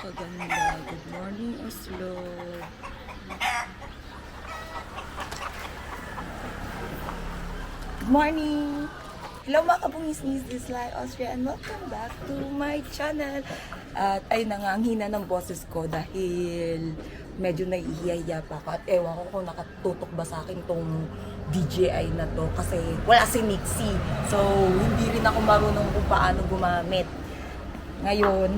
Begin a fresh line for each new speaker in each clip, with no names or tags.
napakaganda. Good morning, Oslo. Good morning! Hello mga kabungis-ngis, this is Lai Austria and welcome back to my channel. At ay nangangina ng boses ko dahil medyo naihiya pa ako at ewan ko kung nakatutok ba sa akin tong DJI na to kasi wala si Nixie. So hindi rin ako marunong kung paano gumamit. Ngayon,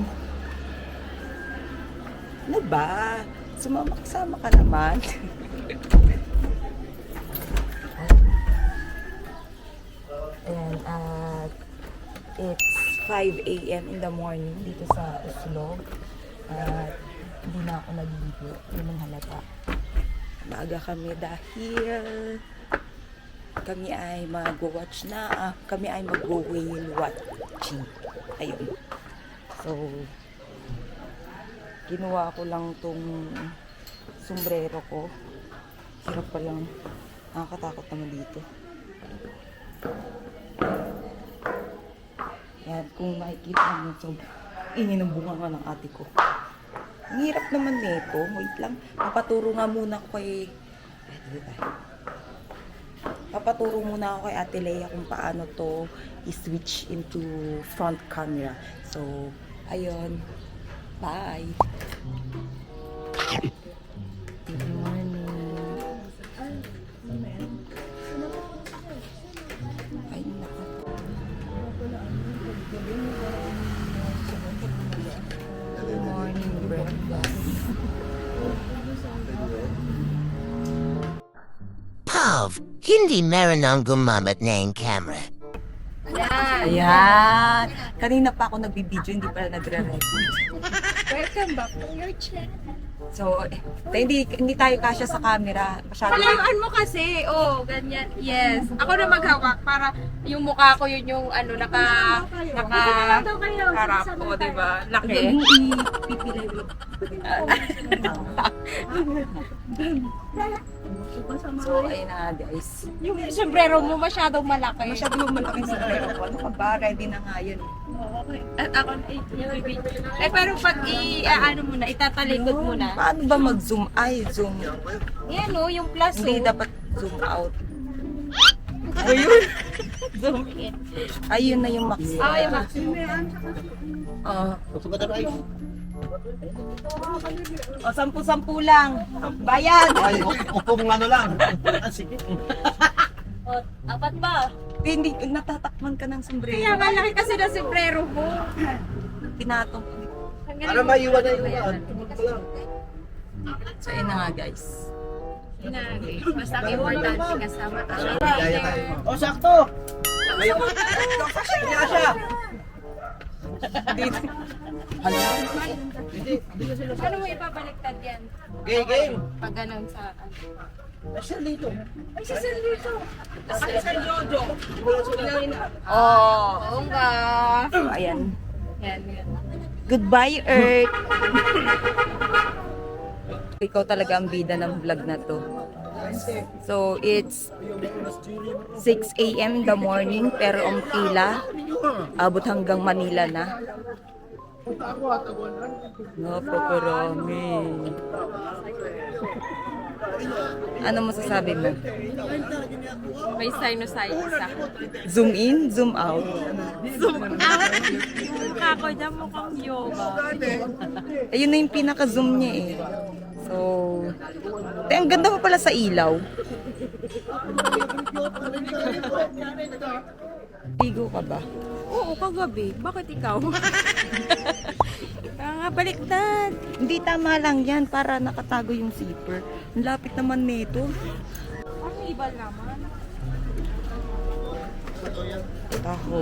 ano ba? Sumama ka naman. And it's 5 a.m. in the morning dito sa Oslo. At hindi na ako nagligo. Yun ang halata. Maaga kami dahil kami ay mag-watch na. Kami ay mag-whale watching. Ayun. So, kinuha ko lang tong sombrero ko. Hirap pa lang. Nakakatakot naman dito. Yan, kung makikita nyo, so, ingin ng bunga nga ng ate ko. Ang hirap naman nito. Wait lang. Papaturo nga muna ako kay... Papaturo muna ako kay Ate Leia kung paano to i-switch into front camera. So, ayun. Bye! Good morning. Ay, naka. Good morning, breakfast.
Pav, hindi meron ang gumamit na yung camera.
Ayan. Kanina pa ako nagbibideo, hindi pala nagre-record.
Welcome back to your channel.
So, hindi tayo kasya sa camera. Masyado.
Palayuan mo kasi. Oh, ganyan. Yes. Ako na maghawak para yung mukha ko yun yung ano, harap ko, diba? Laki.
Ipipilay mo. So, ayun na guys.
Yung sombrero mo masyadong malaki.
Masyado malaking sombrero ko. Ano ka ba? Ready na nga yun.
At ako pero pag ano mo na, itatalikod mo na.
Paano ba mag-zoom? Ay, zoom.
Yan o, yung plus
Hindi
o.
dapat zoom out. Ayun.
Zoom in.
Ayun na yung max.
Ah, yung maximum.
O, 10-10 lang. Bayad.
Ay, upong ano lang. Sige.
O, apat ba?
Hindi, natatakman ka ng
Kaya
sombrero.
malaki kasi na sombrero mo.
Pinatong.
Para maiwan na iwan.
So, ayun na nga guys.
Basta ang importante kasama tayo.
O, sakto! Hindi ka siya.
Dito. Hala.
Paano mo ibabaliktad yan?
Game.
Pag ganun sa ano?
Siya dito.
Ay, si Sir dito.
Oh.
Oo nga.
So, ayan.
Yan.
Goodbye, Earth. Ikaw talaga ang bida ng vlog na to. So, it's 6 a.m. in the morning, pero ang pila, abot hanggang Manila na. Napakarami. Ano masasabi mo?
May sinusitis ako.
Zoom in, zoom out.
Zoom out. Yung mukha ko dyan mukhang yoga.
Ayun na yung pinaka-zoom niya eh. So, ang ganda mo pala sa ilaw. Ligo ka ba?
Oo, kagabi. Bakit ikaw? Nga, baliktad.
Hindi, tama lang yan para nakatago yung zipper. Ang lapit naman nito.
Ang iba naman.
Taho.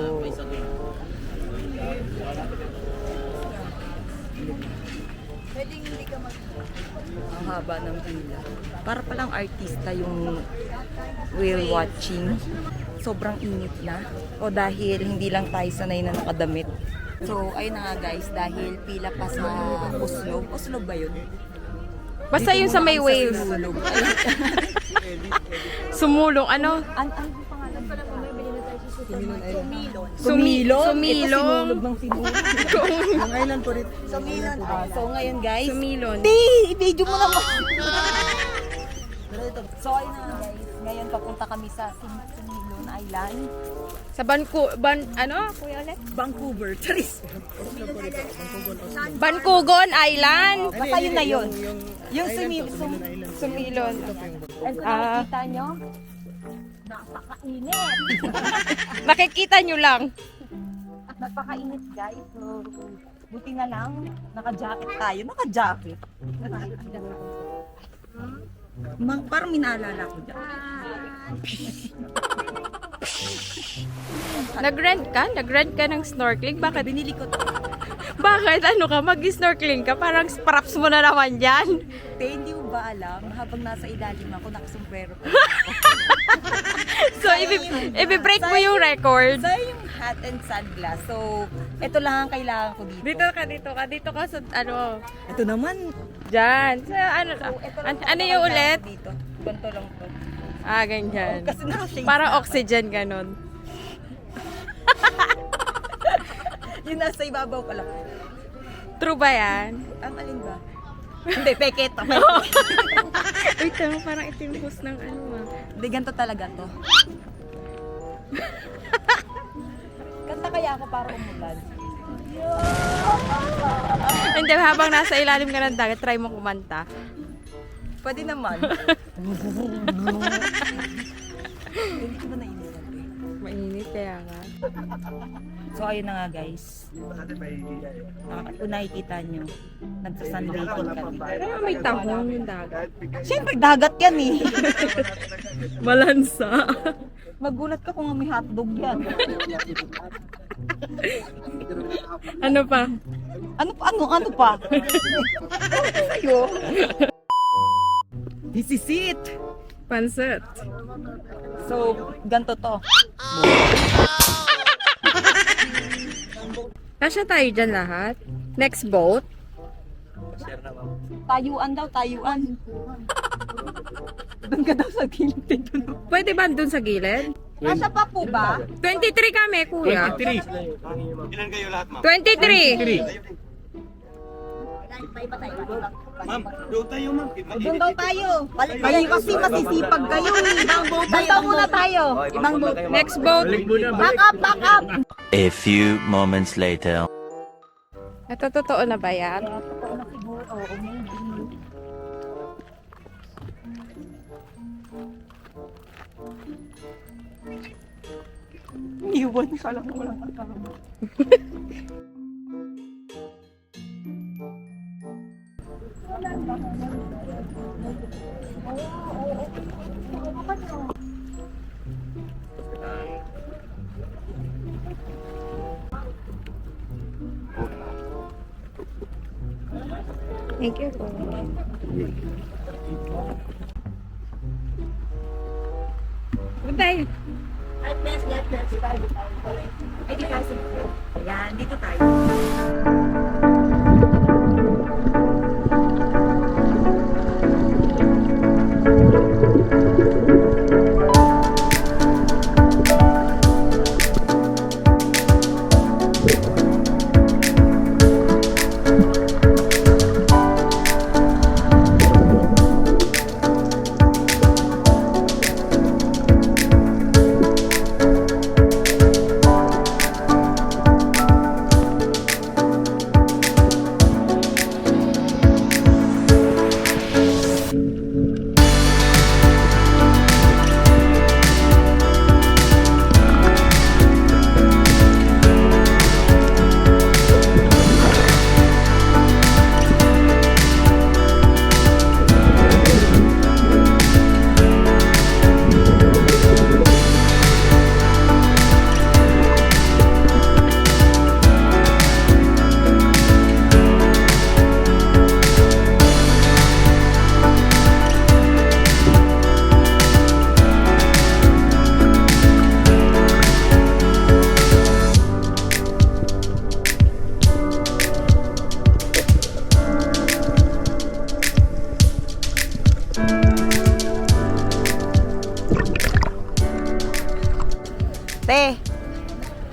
Pwedeng hindi ka
Ang haba ng pila. Para palang artista yung whale watching. Sobrang init na. O dahil hindi lang tayo sanay na nakadamit. So, ayun na nga guys, dahil pila pa sa Oslo. Oslo ba yun?
Basta
Dito
yun sa
muna
may
kami
waves.
Sinulog.
Sumulong, ano?
Ano pangalan pala?
Sumilong.
Ang island po rin.
Sumilon. So ngayon guys,
Sumilon.
i-video mo naman. So ayun na guys, ngayon papunta kami sa Sumilon Island.
Sa Kuya ulit?
Vancouver. Charis.
Bancugon Island.
Basta yun na yun. Yung
Sumilon.
And kung nakikita nyo, napakainit.
Makikita nyo lang.
Napakainit guys. So, buti na lang, naka-jacket tayo. Naka-jacket. Parang minaalala ko dyan.
Nag-rent ka ng snorkeling? Bakit?
Binili ko to.
Bakit? Ano ka? Mag-snorkeling ka? Parang props mo na naman yan.
Hindi mo ba alam, habang nasa ilalim ako, nakasombrero ko.
So, i-break mo yung record.
So, yung hat and sunglass. So, ito lang ang kailangan ko dito.
Dito ka sa, ano,
Ito naman.
dyan. Sa, ano,
Ito lang
ano
ang
yung
kailangan
ulit?
ko Dito. Ganito lang to.
Ganyan.
Kasi naka-shades
Parang
na.
oxygen, ganon.
Yung nasa ibabaw ko lang.
True ba yan?
Ang alin ba? Hindi, peket.
Wait, parang itimpos ng ano
Hindi, ganito talaga to. Kanta kaya ako para umulan.
Hindi, habang nasa ilalim ka ng dagat, try mo kumanta.
Pwede naman. Hindi ko ba nainilan eh?
Mainit kaya nga.
So ayun na nga guys. Kung nakikita nyo, nagsa-sunbaking kami.
Pero may tahong yung dagat.
Siyempre dagat yan eh.
Malansa.
Magulat ka kung may hotdog yan.
Ano pa?
Ano pa? Sa'yo. This is it.
Pansit.
So, ganito to.
Kasya tayo dyan lahat. Next boat.
Tayuan daw, tayuan. Doon ka daw sa gilid.
Pwede ba dun sa gilid?
Nasa pa po ba?
23 kami, kuya.
23. Ilan kayo lahat, ma'am?
23.
Ma'am, doon tayo, ma'am.
Doon daw tayo. Kayo kasi masisipag kayo. Ibang boat. Doon daw muna tayo. Ibang boat.
Next boat.
Back up, back up.
A few moments later.
Ito, totoo na ba yan?
Totoo na siguro. Oo, maybe. Iwan ka lang walang kasama.
Thank you po. Good day.
Ay, di kasi. Ayan, dito tayo.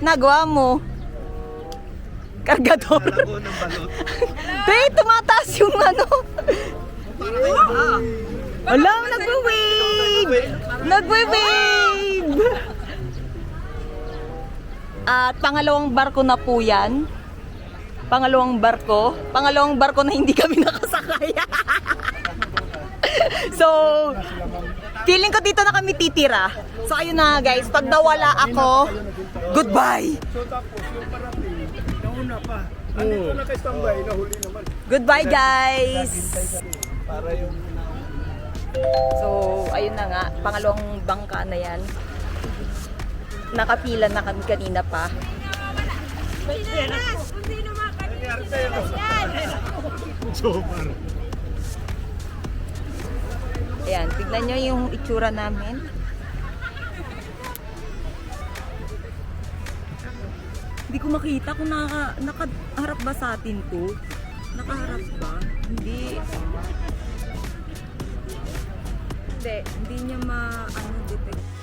ginagawa mo? Kargador.
Lago ng balot.
Wait, tumataas yung ano. Alam, nagwe-wave! Nagwe-wave! At pangalawang barko na po yan. Pangalawang barko na hindi kami nakasakay. So, feeling ko dito na kami titira. So, ayun na guys, pag nawala ako, goodbye!
So tapos, yung parating, nauna pa. Andito na kay standby, nahuli naman.
Goodbye guys!
Para yung...
So, ayun na nga, pangalawang bangka na yan. Nakapila na kami kanina pa.
So, para.
Ayan, tignan nyo yung itsura namin. Hindi ko makita kung nakaharap ba sa atin to. Nakaharap ba? Hindi. Hindi niya ma-detect.